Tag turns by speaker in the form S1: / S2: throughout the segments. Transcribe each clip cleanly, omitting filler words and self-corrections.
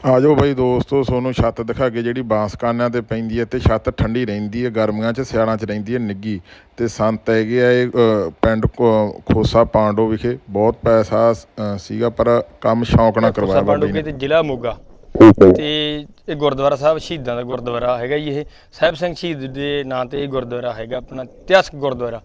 S1: ਆ ਜਾਓ ਬਾਈ ਦੋਸਤੋ, ਤੁਹਾਨੂੰ ਛੱਤ ਦਿਖਾ ਕੇ ਜਿਹੜੀ ਬਾਂਸ ਕਾਨਿਆਂ 'ਤੇ ਪੈਂਦੀ ਹੈ ਅਤੇ ਛੱਤ ਠੰਡੀ ਰਹਿੰਦੀ ਹੈ ਗਰਮੀਆਂ 'ਚ, ਸਿਆਲਾਂ 'ਚ ਰਹਿੰਦੀ ਹੈ ਨਿੱਘੀ। ਅਤੇ ਸੰਤ ਹੈਗੇ ਆ ਇਹ ਪਿੰਡ ਖੋਸਾ ਪਾਂਡੋ ਵਿਖੇ। ਬਹੁਤ ਪੈਸਾ ਸੀਗਾ ਪਰ ਕੰਮ ਸ਼ੌਂਕ ਨਾਲ ਕਰਵਾਇਆ ਬਾਬੇ ਨੇ।
S2: ਤੇ ਜ਼ਿਲ੍ਹਾ ਮੋਗਾ ਤੇ ਇਹ ਗੁਰਦੁਆਰਾ ਸਾਹਿਬ ਸ਼ਹੀਦਾਂ ਦਾ ਗੁਰਦੁਆਰਾ ਹੈਗਾ ਜੀ। ਇਹ ਸਾਹਿਬ ਸਿੰਘ ਸ਼ਹੀਦ ਦੇ ਨਾਂ ਤੇ ਇਹ ਗੁਰਦੁਆਰਾ ਹੈਗਾ, ਆਪਣਾ ਇਤਿਹਾਸਕ ਗੁਰਦੁਆਰਾ।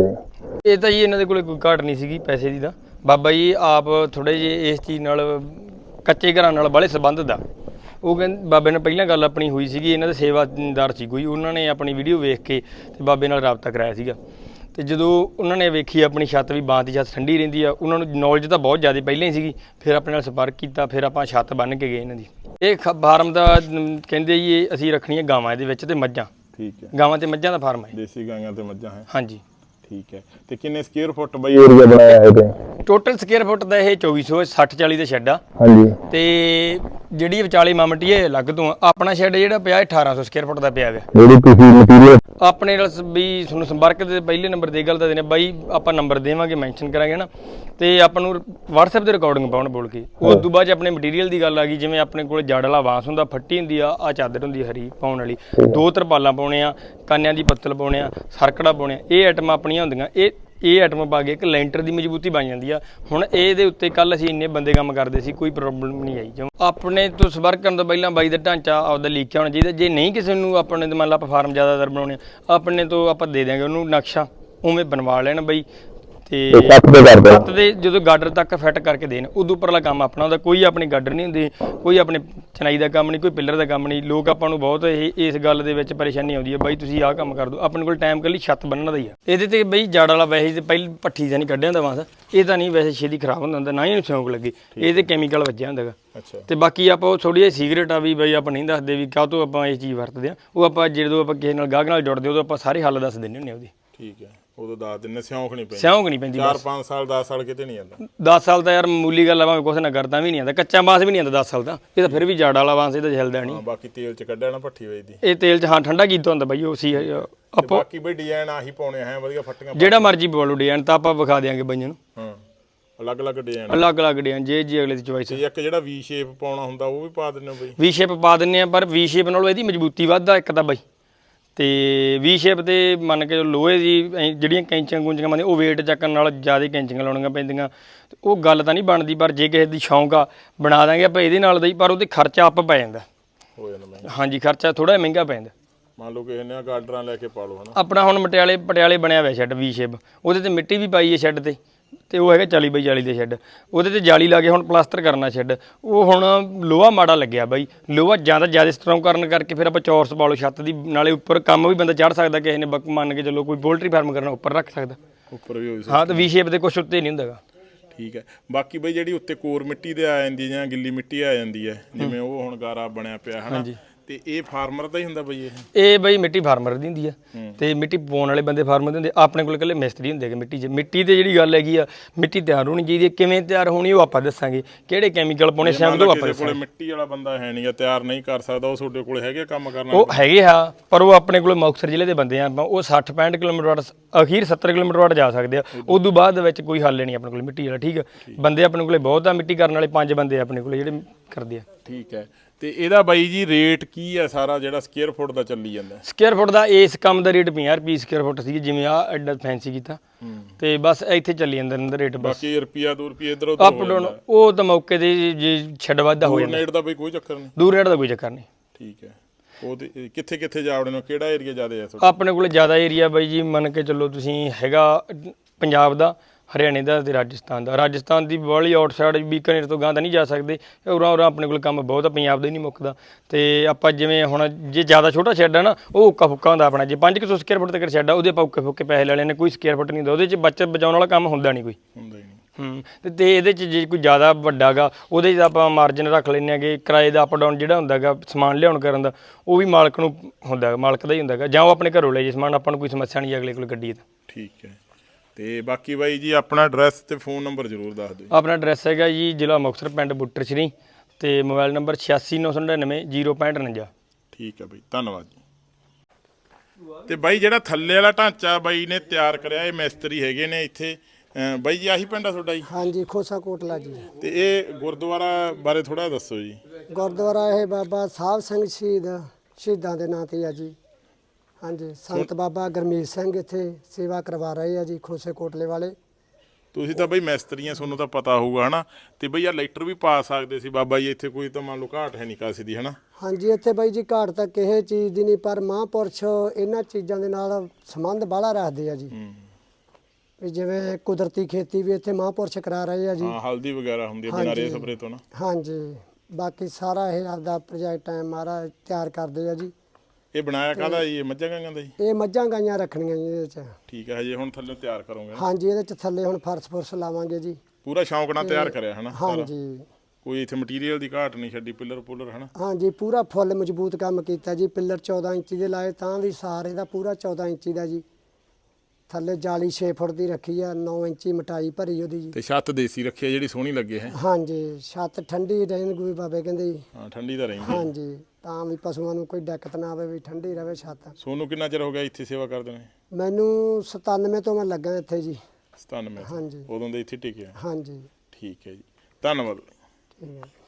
S2: ਇਹ ਤਾਂ ਜੀ ਇਹਨਾਂ ਦੇ ਕੋਲੇ ਕੋਈ ਘਾਟ ਨਹੀਂ ਸੀਗੀ ਪੈਸੇ ਦੀ। ਤਾਂ ਬਾਬਾ ਜੀ ਆਪ ਥੋੜ੍ਹੇ ਜਿਹੇ ਇਸ ਚੀਜ਼ ਨਾਲ ਕੱਚੇ ਘਰਾਂ ਨਾਲ ਬਾਹਲੇ ਸੰਬੰਧ ਦਾ। ਉਹ ਕਹਿੰਦੇ ਬਾਬੇ ਨਾਲ ਪਹਿਲਾਂ ਗੱਲ ਆਪਣੀ ਹੋਈ ਸੀਗੀ, ਇਹਨਾਂ ਦੇ ਸੇਵਾਦਾਰ ਸੀ ਕੋਈ, ਉਹਨਾਂ ਨੇ ਆਪਣੀ ਵੀਡੀਓ ਵੇਖ ਕੇ ਤੇ ਬਾਬੇ ਨਾਲ ਰਾਬਤਾ ਕਰਾਇਆ ਸੀਗਾ। ਅਤੇ ਜਦੋਂ ਉਹਨਾਂ ਨੇ ਵੇਖੀ ਆਪਣੀ ਛੱਤ ਵੀ ਬਾਂਸ ਦੀ ਛੱਤ ਠੰਡੀ ਰਹਿੰਦੀ ਆ, ਉਹਨਾਂ ਨੂੰ ਨੌਲੇਜ ਤਾਂ ਬਹੁਤ ਜ਼ਿਆਦਾ ਪਹਿਲਾਂ ਹੀ ਸੀਗੀ। ਫਿਰ ਆਪਣੇ ਨਾਲ ਸੰਪਰਕ ਕੀਤਾ, ਫਿਰ ਆਪਾਂ ਛੱਤ ਬੰਨ੍ਹ ਕੇ ਗਏ ਇਹਨਾਂ ਦੀ। ਇਹ ਫਾਰਮ ਦਾ ਕਹਿੰਦੇ ਜੀ ਇਹ ਅਸੀਂ ਰੱਖਣੀਆਂ ਗਾਵਾਂ ਇਹਦੇ ਵਿੱਚ ਅਤੇ ਮੱਝਾਂ।
S1: ਠੀਕ ਹੈ,
S2: ਗਾਵਾਂ ਅਤੇ ਮੱਝਾਂ ਦਾ ਫਾਰਮ ਹੈ।
S1: ਦੇਸੀ ਗਾਈਆਂ ਤੇ ਮੱਝਾਂ ਹੈ।
S2: ਹਾਂਜੀ
S1: ਠੀਕ ਹੈ। ਤੇ ਕਿੰਨੇ ਸਕੁਅਰ ਫੁੱਟ ਬਈ ਏਰੀਆ ਬਣਾਇਆ ਹੈ ਤੇ
S2: ਟੋਟਲ ਸਕੁਅਰ ਫੁੱਟ ਦਾ ਇਹ 2460-40 ਦਾ ਸ਼ੈੱਡ ਆ।
S1: ਹਾਂਜੀ।
S2: ਤੇ ਜਿਹੜੀ ਵਿਚਾਲੇ ਮਾਮਟੀ ਇਹ ਅਲੱਗ ਤੋਂ ਆਪਣਾ ਸ਼ੈੱਡ ਜਿਹੜਾ ਪਿਆ 1800 ਸਕੁਅਰ ਫੁੱਟ ਦਾ ਪਿਆ ਵਾ।
S1: ਜਿਹੜੀ ਤੁਸੀਂ ਮਟੀਰੀਅਲ
S2: ਆਪਣੇ ਨਾਲ ਵੀ ਤੁਹਾਨੂੰ ਸੰਪਰਕ ਦੇ ਪਹਿਲੇ ਨੰਬਰ ਦੇ ਗੱਲ ਤਾਂ ਦੇਣੇ ਬਾਈ, ਆਪਾਂ ਨੰਬਰ ਦੇਵਾਂਗੇ, ਮੈਂਸ਼ਨ ਕਰਾਂਗੇ ਨਾ। ਤੇ ਆਪਾਂ ਨੂੰ WhatsApp ਤੇ ਰਿਕਾਰਡਿੰਗ ਪਾਉਣ ਬੋਲ ਕੇ। ਉਸ ਤੋਂ ਬਾਅਦ ਆਪਣੇ ਮਟੀਰੀਅਲ ਦੀ ਗੱਲ ਆ ਗਈ, ਜਿਵੇਂ ਆਪਣੇ ਕੋਲ ਜੜ ਵਾਲਾ ਬਾਂਸ ਹੁੰਦਾ, ਫੱਟੀ ਹੁੰਦੀ ਆ ਚਾਦਰ ਹੁੰਦੀ ਹਰੀ ਪਾਉਣ ਵਾਲੀ, 2 ਤਰਪਾਲਾਂ ਪਾਉਣੇ ਆ, ਕਾਨਿਆਂ ਦੀ ਪੱਤਲ ਪਾਉਣੇ ਆ, ਸਰਕੜਾ ਪਾਉਣੇ ਆ। ਇਹ ਆਈਟਮਾਂ ਆਪਣੀਆਂ ਹੁੰਦੀਆਂ। ਇਹ ਆਈਟਮ ਪਾ ਕੇ ਇੱਕ ਲੈਂਟਰ ਦੀ ਮਜ਼ਬੂਤੀ ਬਣ ਜਾਂਦੀ ਆ। ਹੁਣ ਇਹਦੇ ਉੱਤੇ ਕੱਲ ਅਸੀਂ ਇੰਨੇ ਬੰਦੇ ਕੰਮ ਕਰਦੇ ਸੀ, ਕੋਈ ਪ੍ਰੋਬਲਮ ਨਹੀਂ ਆਈ। ਜਿਵੇਂ ਆਪਣੇ ਤੋਂ ਸੰਪਰਕ ਕਰਨ ਤੋਂ ਪਹਿਲਾਂ ਬਾਈ ਦਾ ਢਾਂਚਾ ਆਪਦਾ ਲੀਕ ਹੋਣਾ ਚਾਹੀਦਾ। ਜੇ ਨਹੀਂ ਕਿਸੇ ਨੂੰ ਆਪਣੇ ਤੋਂ ਮੰਨ ਲਾ ਆਪਾਂ ਫਾਰਮ ਜ਼ਿਆਦਾਤਰ ਬਣਾਉਣੇ ਆ, ਆਪਣੇ ਤੋਂ ਆਪਾਂ ਦੇ ਦਿਆਂਗੇ ਉਹਨੂੰ ਨਕਸ਼ਾ, ਉਵੇਂ ਬਣਵਾ ਲੈਣ ਬਾਈ। ਤੇ ਛੱਤ ਦੇ ਜਦੋਂ ਗਾਡਰ ਤੱਕ ਫਿੱਟ ਕਰਕੇ ਦੇਣ, ਉਦੋਂ ਉੱਪਰਲਾ ਕੰਮ ਆਪਣਾ ਹੁੰਦਾ। ਕੋਈ ਆਪਣੀ ਗਾਡਰ ਨਹੀਂ ਹੁੰਦੀ, ਕੋਈ ਆਪਣੇ ਚਨਾਈ ਦਾ ਕੰਮ ਨਹੀਂ, ਕੋਈ ਪਿੱਲਰ ਦਾ ਕੰਮ ਨਹੀਂ। ਲੋਕ ਆਪਾਂ ਨੂੰ ਬਹੁਤ ਇਸ ਗੱਲ ਦੇ ਵਿੱਚ ਪਰੇਸ਼ਾਨੀ ਆਉਂਦੀ ਹੈ, ਬਾਈ ਤੁਸੀਂ ਆਹ ਕੰਮ ਕਰ ਦਿਓ। ਆਪਣੇ ਕੋਲ ਟਾਈਮ ਕੱਲੀ ਛੱਤ ਬੰਨਣ ਦਾ ਹੀ ਆ। ਇਹਦੇ ਤੇ ਬਈ ਜੜ ਵਾਲਾ ਵੈਸੇ ਤੇ ਪਹਿਲੀ ਪੱਠੀ ਤਾਂ ਨਹੀਂ ਕੱਢਿਆ ਹੁੰਦਾ ਬਾਂਸ, ਇਹ ਤਾਂ ਨਹੀਂ ਵੈਸੇ ਛੇਤੀ ਖਰਾਬ ਹੁੰਦਾ, ਨਾ ਹੀ ਇਹਨੂੰ ਸ਼ੌਂਕ ਲੱਗੇ। ਇਹ ਤੇ ਕੈਮੀਕਲ ਵੱਜਿਆ ਹੁੰਦਾ ਗਾ। ਤੇ ਬਾਕੀ ਆਪਾਂ ਉਹ ਥੋੜ੍ਹੀ ਜਿਹੀ ਸੀਕਰੇਟ ਆ ਵੀ ਬਾਈ ਆਪਾਂ ਨਹੀਂ ਦੱਸਦੇ ਵੀ ਕਾਹ ਤੋਂ ਆਪਾਂ ਇਹ ਚੀਜ਼ ਵਰਤਦੇ ਹਾਂ। ਉਹ ਆਪਾਂ ਜਦੋਂ ਆਪਾਂ ਕਿਸੇ ਨਾਲ ਗਾਹਕ ਨਾਲ ਜੁੜਦੇ ਉਦੋਂ ਆਪਾਂ ਸਾਰੇ ਹੱਲ ਦੱਸ ਦਿੰਦੇ ਹੁੰਦੇ ਉਹਦੀ। ਠੀਕ ਹੈ, ਉਦੋਂ ਦੱਸ ਦਿੰਦੇ, ਸਿਉਂਕ ਨਹੀਂ ਪੈਂਦੀ। ਸਿਉਂਕ ਨਹੀਂ ਪੈਂਦੀ। 4-5 ਸਾਲ 10 ਸਾਲ ਕਿਤੇ ਨਹੀਂ ਜਾਂਦਾ। 10 ਸਾਲ ਤਾਂ ਯਾਰ ਮਾਮੂਲੀ ਗੱਲ ਆ, ਭਾਵੇਂ ਕੁਛ ਨਾ ਕਰਦਾ ਵੀ ਨਹੀਂ ਆਉਂਦਾ। ਕੱਚਾ ਬਾਂਸ ਵੀ ਨਹੀਂ ਆਉਂਦਾ 10 ਸਾਲ ਤਾਂ। ਇਹ ਤਾਂ ਫਿਰ ਵੀ ਜੜ ਵਾਲਾ ਬਾਂਸ, ਇਹ ਤਾਂ ਹਿਲਦਾ ਨਹੀਂ। ਬਾਕੀ ਤੇਲ 'ਚ ਕੱਢਿਆ ਨਾ ਭੱਠੀ ਵੇਚਦੀ, ਇਹ ਤੇਲ 'ਚ ਹਾਂ ਠੰਡਾ ਕੀਤਾ ਹੁੰਦਾ ਬਾਈ। ਉਹ ਸੀ ਆਪਾਂ ਬਾਕੀ ਬਈ ਡਿਜ਼ਾਈਨ ਆਹੀ ਪਾਉਣੇ ਹੈ, ਵਧੀਆ ਫੱਟੀਆਂ ਜਿਹੜਾ ਮਰਜ਼ੀ ਪਵਾ ਲਓ ਡਿਜ਼ਾਈਨ, ਤਾਂ ਆਪਾਂ ਵਿਖਾ ਦਿਆਂਗੇ ਬਾਈਆਂ ਨੂੰ। ਹਾਂ, ਅਲੱਗ-ਅਲੱਗ ਡਿਜ਼ਾਈਨ ਜੇ ਅਗਲੇ ਦੀ ਚੋਇਸ। ਇੱਕ ਜਿਹੜਾ ਵੀ ਸ਼ੇਪ ਪਾਉਣਾ ਹੁੰਦਾ ਉਹ ਵੀ ਪਾ ਦਿੰਦੇ ਹੋ ਬਾਈ? ਵੀ ਸ਼ੇਪ ਪਾ ਦਿੰਦੇ ਆ, ਪਰ ਵੀ ਸ਼ੇਪ ਨਾਲੋਂ ਇਹਦੀ ਮਜ਼ਬੂਤੀ ਵੱਧਦਾ ਇੱਕ ਤਾਂ ਬਾਈ। ਤੇ ਵੀ ਸ਼ੇਪ ਤੇ ਮੰਨ ਕੇ ਲੋਹੇ ਦੀ ਜਿਹੜੀਆਂ ਕੈਂਚੀਆਂ ਕੂੰਚੀਆਂ ਮੰਨਦੇ, ਉਹ ਵੇਟ ਚੱਕਣ ਨਾਲ ਜ਼ਿਆਦਾ ਕੈਂਚੀਆਂ ਲਾਉਣੀਆਂ ਪੈਂਦੀਆਂ। ਉਹ ਗੱਲ ਤਾਂ ਨਹੀਂ ਬਣਦੀ। ਪਰ ਜੇ ਕਿਸੇ ਦੀ ਸ਼ੌਂਕ ਆ, ਬਣਾ ਦਾਂਗੇ ਆਪਾਂ ਇਹਦੇ ਨਾਲ ਦਾ ਹੀ, ਪਰ ਉਹਦੇ ਖਰਚਾ ਅੱਪ ਪੈ ਜਾਂਦਾ। ਹੋ ਜਾਂਦਾ ਹਾਂਜੀ, ਖਰਚਾ ਥੋੜ੍ਹਾ ਜਿਹਾ ਮਹਿੰਗਾ ਪੈਂਦਾ। ਮੰਨ ਲਓ ਕਿਸੇ ਨੇ ਗਾਡਰਾਂ ਲੈ ਕੇ ਪਾ ਲਓ ਹਨਾ। ਆਪਣਾ ਹੁਣ ਪਟਿਆਲੇ ਬਣਿਆ ਹੋਇਆ ਸ਼ੈੱਡ ਵੀ ਸ਼ੇਪ, ਉਹਦੇ ਤੇ ਮਿੱਟੀ ਵੀ ਪਾਈ ਹੈ ਸ਼ੈੱਡ ਤੇ ਉਹ ਹੈਗਾ 40x40 ਦੇ ਸ਼ੈੱਡ। ਉਹਦੇ ਤੇ ਜਾਲੀ ਲਾ ਕੇ ਹੁਣ ਪਲਾਸਟਰ ਕਰਨਾ ਸ਼ੈੱਡ। ਉਹ ਹੁਣ ਲੋਹਾ ਮਾੜਾ ਲੱਗਿਆ ਬਾਈ, ਲੋਹਾ ਜ਼ਿਆਦਾ ਸਟਰੋਂਗ ਕਰਨ ਕਰਕੇ ਫਿਰ ਆਪਾਂ ਚੌਰਸ ਪਾ ਲਓ ਛੱਤ ਦੀ। ਨਾਲੇ ਉੱਪਰ ਕੰਮ ਵੀ ਬੰਦਾ ਚੜ੍ਹ ਸਕਦਾ, ਕਿਸੇ ਨੇ ਮੰਨ ਕੇ ਚੱਲੋ ਕੋਈ ਪੋਲਟਰੀ ਫਾਰਮ ਕਰਨਾ ਉੱਪਰ ਰੱਖ ਸਕਦਾ, ਉੱਪਰ ਵੀ ਹੋ ਸਕਦਾ। ਹਾਂ, ਤੇ ਵੀ ਸ਼ੇਪ ਦੇ ਕੁਛ ਉੱਤੇ ਨਹੀਂ ਹੁੰਦਾ ਗਾ। ਠੀਕ ਹੈ। ਬਾਕੀ ਬਈ ਜਿਹੜੀ ਉੱਤੇ ਕੋਰ ਮਿੱਟੀ ਦੇ ਆ ਜਾਂਦੀ ਜਾਂ ਗਿੱਲੀ ਮਿੱਟੀ ਆ ਜਾਂਦੀ ਹੈ, ਜਿਵੇਂ ਉਹ ਹੁਣ ਗਾਰਾ ਬਣਿਆ ਪਿਆ ਹੈ ਨਾ, ਤੇ ਇਹ ਫਾਰਮਰ ਦਾ ਹੀ ਹੁੰਦਾ ਬਈ? ਇਹ ਬਈ ਮਿੱਟੀ ਫਾਰਮਰ ਦੀ ਹੁੰਦੀ ਆ, ਤੇ ਮਿੱਟੀ ਪਾਉਣ ਵਾਲੇ ਬੰਦੇ ਫਾਰਮਰ ਦੇ ਹੁੰਦੇ। ਆਪਣੇ ਕੋਲ ਇਕੱਲੇ ਮਿਸਤਰੀ ਹੁੰਦੇ ਮਿੱਟੀ 'ਚ। ਮਿੱਟੀ ਤੇ ਜਿਹੜੀ ਗੱਲ ਹੈਗੀ ਆ, ਮਿੱਟੀ ਤਿਆਰ ਹੋਣੀ ਚਾਹੀਦੀ ਹੈ। ਕਿਵੇਂ ਤਿਆਰ ਹੋਣੀ ਉਹ ਆਪਾਂ ਦੱਸਾਂਗੇ, ਕਿਹੜੇ ਕੈਮੀਕਲ ਪਾਉਣੇ ਸ਼ਾਇਦ ਉਹ ਆਪਾਂ ਦੱਸਾਂਗੇ। ਮਿੱਟੀ ਵਾਲਾ ਬੰਦਾ ਹੈ ਨਹੀਂ, ਤਿਆਰ ਨਹੀਂ ਕਰ ਸਕਦਾ, ਉਹ ਤੁਹਾਡੇ ਕੋਲ ਹੈਗੇ ਕੰਮ ਕਰਨ ਵਾਲੇ? ਉਹ ਹੈਗੇ ਆ, ਪਰ ਉਹ ਆਪਣੇ ਕੋਲ ਮੁਕਤਸਰ ਜ਼ਿਲ੍ਹੇ ਦੇ ਬੰਦੇ ਆ। ਉਹ 60-65 ਕਿਲੋਮੀਟਰ ਅਖੀਰ 70 ਕਿਲੋਮੀਟਰ ਵਾਟ ਜਾ ਸਕਦੇ ਆ। ਉਦੋਂ ਬਾਅਦ ਦੇ ਵਿੱਚ ਕੋਈ ਹੱਲ ਨਹੀਂ ਆਪਣੇ ਕੋਲ ਮਿੱਟੀ ਵਾਲਾ। ਠੀਕ ਆ, ਬੰਦੇ ਆਪਣੇ ਕੋਲੇ ਬਹੁਤ ਆ, ਮਿੱਟੀ ਕਰਨ ਵਾਲੇ 5 ਬੰਦੇ ਆਪਣੇ ਕੋਲ ਜਿਹੜੇ ਕਰਦੇ ਆ। ਠੀਕ ਹੈ। ਤੇ ਇਹਦਾ ਬਾਈ ਜੀ ਰੇਟ ਕੀ ਆ ਸਾਰਾ ਜਿਹੜਾ ਸਕੁਅਰ ਫੁੱਟ ਦਾ ਚੱਲੀ ਜਾਂਦਾ? ਸਕੁਅਰ ਫੁੱਟ ਦਾ ਇਸ ਕੰਮ ਦਾ ਰੇਟ 50 ਰੁਪਏ ਸਕੁਅਰ ਫੁੱਟ ਸੀ, ਜਿਵੇਂ ਆ ਐਡਾ ਫੈਂਸੀ ਕੀਤਾ ਤੇ ਬਸ ਇੱਥੇ ਚੱਲੀ ਜਾਂਦਾ ਰੇਟ। ਬਾਕੀ ਰੁਪਿਆ 2 ਰੁਪਏ ਇਧਰ ਉਧਰ ਅਪ ਡਾਊਨ ਉਹ ਤਾਂ ਮੌਕੇ ਤੇ ਜੇ ਛੱਡ ਵਾਧਾ ਹੋ ਜਾਂਦਾ। ਰੇਟ ਦਾ ਬਈ ਕੋਈ ਚੱਕਰ ਨਹੀਂ? ਦੂਰ ਰੇਟ ਦਾ ਕੋਈ ਚੱਕਰ ਨਹੀਂ। ਠੀਕ ਹੈ। ਉਹਦੇ ਕਿੱਥੇ ਜਾ ਵੜਨੇ, ਕਿਹੜਾ ਏਰੀਆ ਜ਼ਿਆਦਾ ਹੈ ਆਪਣੇ ਕੋਲ? ਜ਼ਿਆਦਾ ਏਰੀਆ ਬਾਈ ਜੀ ਮੰਨ ਕੇ ਚੱਲੋ ਤੁਸੀਂ ਹੈਗਾ ਪੰਜਾਬ ਦਾ, ਹਰਿਆਣੇ ਦਾ ਤੇ ਰਾਜਸਥਾਨ ਦੀ ਬਾਹਲੀ ਆਊਟਸਾਈਡ ਬੀਕਾਨੇਰ ਤੋਂ ਗਾਂ ਤਾਂ ਨਹੀਂ ਜਾ ਸਕਦੇ। ਉਰਾਂ ਆਪਣੇ ਕੋਲ ਕੰਮ ਬਹੁਤ ਆ, ਪੰਜਾਬ ਦਾ ਹੀ ਨਹੀਂ ਮੁੱਕਦਾ। ਤੇ ਆਪਾਂ ਜਿਵੇਂ ਹੁਣ ਜੇ ਜ਼ਿਆਦਾ ਛੋਟਾ ਸ਼ੈੱਡ ਆ ਨਾ, ਉਹ ਉੱਕਾ ਫੁੱਕਾ ਹੁੰਦਾ ਆਪਣਾ। ਜੇ 500 ਸਕੁਅਰ ਫੁੱਟ ਤੱਕ ਸ਼ੈੱਡ ਆ, ਉਹਦੇ ਆਪਾਂ ਉੱਕੇ ਫੁੱਕੇ ਪੈਸੇ ਲੈ ਲੈਣੇ, ਕੋਈ ਸਕੁਅਰ ਫੁੱਟ ਨਹੀਂ ਹੁੰਦਾ ਉਹਦੇ 'ਚ। ਬੱਚਤ ਬਚਾਉਣ ਵਾਲਾ ਕੰਮ ਹੁੰਦਾ ਨਹੀਂ ਕੋਈ। ਤੇ ਇਹਦੇ 'ਚ ਜੇ ਕੋਈ ਜ਼ਿਆਦਾ ਵੱਡਾ ਗਾ, ਉਹਦੇ 'ਚ ਆਪਾਂ ਮਾਰਜਨ ਰੱਖ ਲੈਂਦੇ ਹੈਗੇ। ਕਿਰਾਏ ਦਾ ਅਪ ਡਾਊਨ ਜਿਹੜਾ ਹੁੰਦਾ ਗਾ ਸਮਾਨ ਲਿਆਉਣ ਕਰਨ ਦਾ, ਉਹ ਵੀ ਮਾਲਕ ਨੂੰ ਹੁੰਦਾ, ਮਾਲਕ ਦਾ ਹੀ ਹੁੰਦਾ ਗਾ। ਜਾਂ ਉਹ ਆਪਣੇ ਘਰੋਂ ਲੈ ਜੇ ਸਮਾਨ, ਆਪਾਂ ਨੂੰ ਕੋਈ ਸਮੱਸਿਆ ਨਹੀਂ ਅਗਲੇ ਕੋਲ ਗੱਡੀ ਦਾ। ਠੀਕ ਹੈ। ਤੇ ਬਾਕੀ ਬਾਈ ਜੀ ਆਪਣਾ ਐਡਰੈਸ ਤੇ ਫੋਨ ਨੰਬਰ ਜ਼ਰੂਰ ਦੱਸ ਦਿਓ। ਆਪਣਾ ਐਡਰੈਸ ਹੈਗਾ ਜੀ ਜ਼ਿਲ੍ਹਾ ਮੁਕਤਸਰ, ਪਿੰਡ ਬੁੱਟਰ ਸ਼੍ਰੀ, ਤੇ ਮੋਬਾਈਲ ਨੰਬਰ 869999 06549। ਠੀਕ ਹੈ ਬਾਈ, ਧੰਨਵਾਦ ਜੀ। ਤੇ ਬਾਈ ਜਿਹੜਾ ਥੱਲੇ ਵਾਲਾ ਢਾਂਚਾ ਬਾਈ ਨੇ ਤਿਆਰ ਕਰਿਆ, ਇਹ ਮਿਸਤਰੀ ਹੈਗੇ ਨੇ ਇੱਥੇ,
S1: ਬਾਈ ਜੀ ਆਹੀ ਪਿੰਡ ਆ ਤੁਹਾਡਾ ਜੀ?
S3: ਹਾਂਜੀ, ਖੋਸਾ ਕੋਟਲਾ ਜੀ।
S1: ਤੇ ਇਹ ਗੁਰਦੁਆਰਾ ਬਾਰੇ ਥੋੜਾ ਦੱਸੋ ਜੀ।
S3: ਗੁਰਦੁਆਰਾ ਇਹ ਬਾਬਾ ਸਾਹਿਬ ਸਿੰਘ ਸ਼ਹੀਦਾਂ ਦੇ ਨਾਂ ਤੇ ਆ ਜੀ। ਹਾਂਜੀ, ਸੰਤ ਬਾਬਾ ਗਰਮੀਤ ਸਿੰਘ ਇੱਥੇ ਸੇਵਾ ਕਰਵਾ ਰਹੇ ਆ ਜੀ, ਖੋਸੇ ਕੋਟਲੇ ਵਾਲੇ।
S1: ਤੁਸੀਂ ਤਾਂ ਬਈ ਮਿਸਤਰੀਆਂ, ਤੁਹਾਨੂੰ ਤਾਂ ਪਤਾ ਹੋਊਗਾ ਹਨਾ। ਤੇ ਬਈ ਆ ਲੈਟਰ ਵੀ ਪਾ ਸਕਦੇ ਸੀ ਬਾਬਾ ਜੀ ਇੱਥੇ, ਕੋਈ ਤਾਂ ਮੰਨ ਲਓ ਘਾਟ ਹੈ ਨਹੀਂ ਕਾਸੇ ਦੀ ਹਨਾ।
S3: ਹਾਂਜੀ, ਇੱਥੇ ਬਾਈ ਜੀ ਘਾਟ ਤਾਂ ਕਿਸੇ ਚੀਜ਼ ਦੀ ਨਹੀਂ, ਪਰ ਮਹਾਂਪੁਰਸ਼ ਇਹਨਾਂ ਚੀਜ਼ਾਂ ਦੇ ਨਾਲ ਸੰਬੰਧ ਬਾਹਲਾ ਰੱਖਦੇ ਆ ਜੀ। ਵੀ ਜਿਵੇਂ ਕੁਦਰਤੀ ਖੇਤੀ ਵੀ ਇੱਥੇ ਮਹਾਂਪੁਰਸ਼ ਕਰਾ ਰਹੇ ਆ ਜੀ।
S1: ਹਾਂ, ਹਲਦੀ ਵਗੈਰਾ ਹੁੰਦੀ ਹੈ ਬਿਨਾਂ ਰੇ ਸਪਰੇ ਤੋਂ ਨਾ।
S3: ਹਾਂਜੀ, ਬਾਕੀ ਸਾਰਾ ਇਹ ਆਪਦਾ ਪ੍ਰੋਜੈਕਟ ਹੈ ਮਹਾਰਾਜ ਤਿਆਰ ਕਰਦੇ ਆ ਜੀ।
S1: ਇਹ ਬਣਾਇਆ ਕਾਹਦਾ ਜੀ? ਇਹ ਮੱਝਾਂ ਗਾਈਆਂ ਦਾ ਜੀ?
S3: ਇਹ ਮੱਝਾਂ ਗਾਈਆਂ ਰੱਖਣੀਆਂ ਜੀ ਇਹਦੇ 'ਚ।
S1: ਠੀਕ ਹੈ, ਹਜੇ ਹੁਣ ਥੱਲੇ ਤਿਆਰ ਕਰੋਗੇ ਨਾ?
S3: ਹਾਂਜੀ, ਇਹਦੇ 'ਚ ਥੱਲੇ ਹੁਣ ਫਰਸ਼ ਲਾਵਾਂਗੇ ਜੀ।
S1: ਪੂਰਾ ਸ਼ੌਂਕ ਨਾਲ ਤਿਆਰ ਕਰਿਆ ਹਨਾ ਸਾਰਾ?
S3: ਹਾਂਜੀ,
S1: ਕੋਈ ਇੱਥੇ ਮਟੀਰੀਅਲ ਦੀ ਘਾਟ ਨਹੀਂ ਛੱਡੀ, ਪਿੱਲਰ ਹਨਾ?
S3: ਹਾਂਜੀ, ਪੂਰਾ ਫੁੱਲ ਮਜ਼ਬੂਤ ਕੰਮ ਕੀਤਾ ਜੀ। ਪਿੱਲਰ 14 ਇੰਚੀ ਦੇ ਲਾਏ, ਤਾਂ ਵੀ ਸਾਰ ਇਹਦਾ ਪੂਰਾ 14 ਇੰਚੀ ਦਾ ਜੀ। ਥੱਲੇ ਜਾਲੀ 6 ਫੁੱਟ ਦੀ ਰੱਖੀ ਆ, 9 ਇੰਚੀ ਮਟਾਈ ਭਰੀ ਉਹਦੀ ਜੀ।
S1: ਤੇ ਛੱਤ ਦੇਸੀ ਰੱਖੀ ਆ ਜਿਹੜੀ ਸੋਹਣੀ ਲੱਗੇ ਹੈ?
S3: ਹਾਂਜੀ, ਛੱਤ ਠੰਡੀ ਰਹਿਣਗੀ ਬਾਬੇ ਕਹਿੰਦੇ ਜੀ।
S1: ਹਾਂ, ਠੰਡੀ ਤਾਂ ਰਹਿੰਦੀ।
S3: ਹਾਂਜੀ, ਤਾਂ ਵੀ ਪਸ਼ੂਆਂ ਨੂੰ ਕੋਈ ਦਿੱਕਤ ਨਾ ਆਵੇ, ਵੀ ਠੰਡੀ ਰਵੇ ਛੱਤ।
S1: ਸੋਨੂੰ ਕਿੰਨਾ ਚਿਰ ਹੋ ਗਿਆ ਇੱਥੇ ਸੇਵਾ ਕਰਦੇ ਨੇ?
S3: ਮੈਨੂੰ 97 ਤੋਂ ਮੈਂ ਲੱਗਾ ਇੱਥੇ ਜੀ।
S1: 97?
S3: ਹਾਂਜੀ,
S1: ਉਦੋਂ ਦੇ ਇੱਥੇ ਟਿਕਿਆ?
S3: ਹਾਂਜੀ।
S1: ਠੀਕ ਹੈ ਜੀ, ਧੰਨਵਾਦ।
S3: ਠੀਕ ਹੈ।